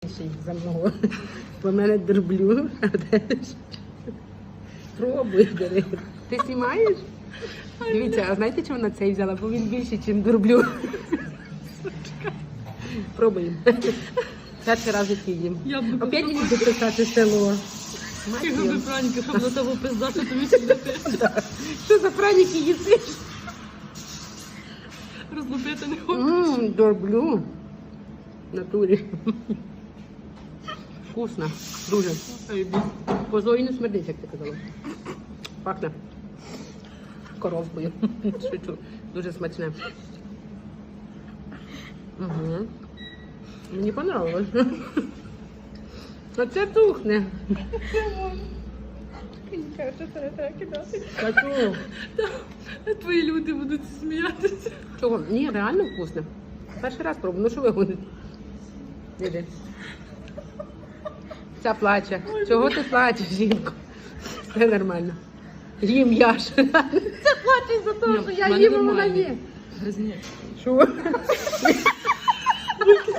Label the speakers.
Speaker 1: За мною. Бо мене дроблю. Пробуй, бери. Ти знімаєш? Дивіться, а знаєте, чого вона цей взяла? Бо він більший, ніж дроблю. Пробуємо. Перший раз в житті їм. Опять не буду писати село.
Speaker 2: Які ви праніки, щоб на того пиздати, тобі сюди
Speaker 1: Що за праніки їсиш?
Speaker 2: розлупити не хочу.
Speaker 1: Дроблю. В натурі. Вкусно. Дуже. Козою не смердить, як ти казала. Пахне коровкою. Шучу. Дуже смачне. Угу. Мені понравилось. Оце тухне. Та чого?
Speaker 2: Твої люди будуть сміятися.
Speaker 1: Чого? Ні, реально вкусно. Перший раз пробую. Ну що ви гоните? Іди. Ця плаче. Чого ти плачеш, жінко? Все нормально. Їм я ж. Це плаче за те, що я їм, а вона є.
Speaker 2: Гризні.
Speaker 1: Що?